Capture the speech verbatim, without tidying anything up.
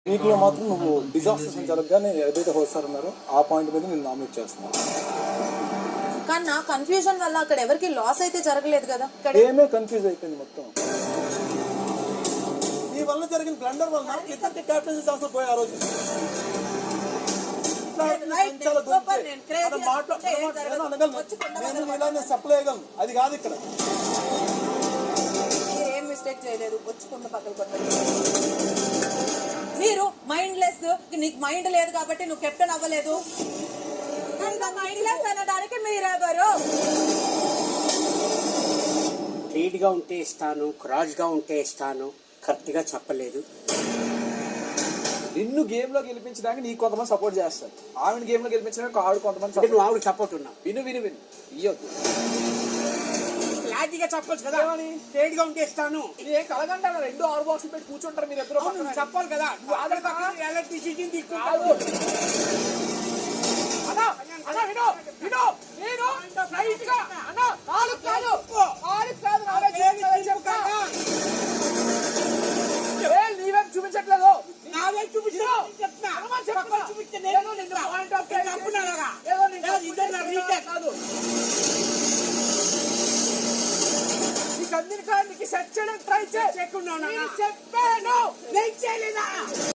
వీటిలో మాత్రం నువ్వు డిజాస్టర్స్ జరగగానే ఏదైతే హోస్టార్ ఉన్నారో ఆ పాయింట్ మీద నేను నామినేట్ చేస్తున్నాను. కానీ నా కన్ఫ్యూజన్ వల్ల అక్కడ ఎవరికి లాస్ అయితే జరగలేదు కదా. ఏమే కన్ఫ్యూజ్ అయిపోయింది మొత్తం. ఈ వల్ల జరిగిన బ్లండర్ వల్ల ఇద్దరికి క్యాప్టెన్సీ ఛాన్స్ పోయి ఆ రోజు సప్లై చేయగలను. అది కాదు ఇక్కడ ఏం మిస్టేక్ చేయలేదు. వచ్చుకుంటూ పక్కన కొట్టండి. మీరు మైండ్ లెస్, నీకు మైండ్ లేదు కాబట్టి నువ్వు కెప్టెన్ అవ్వలేదు. మైండ్ లెస్ అనడానికి మీరెవరు? స్ట్రీట్ గా ఉంటే ఇస్తాను, క్రాస్ గా ఉంటే ఇస్తాను, కరెక్ట్ గా చెప్పలేదు. నిన్ను గేమ్ లో గెలిపించడానికి నీకు కొంతమంది సపోర్ట్ చేస్తారు, ఆవిడ గేమ్ లో గెలిపించడానికి ఆవిడ కొంతమంది. నువ్వు ఆవిడ సపోర్ట్ ఉన్నావు. విను విను విను ఇయ్యొద్దు. క్లారిటీగా చెప్పొచ్చు కదా. స్ట్రేట్ గా ఉంటే ఇస్తాను. ఏం కలగంటారా? రెండు ఆరు బాక్సులు పెట్టి కూర్చుంటారు మీరు ఎదురు. చెప్పాలి కదా. నీవేం చూపించట్లేదు. నావే చూపించా నీకు అందిన కాడికి సెట్ చేయడానికి ట్రై చేయకుండా చెప్పాను. నేను చేయలేదా?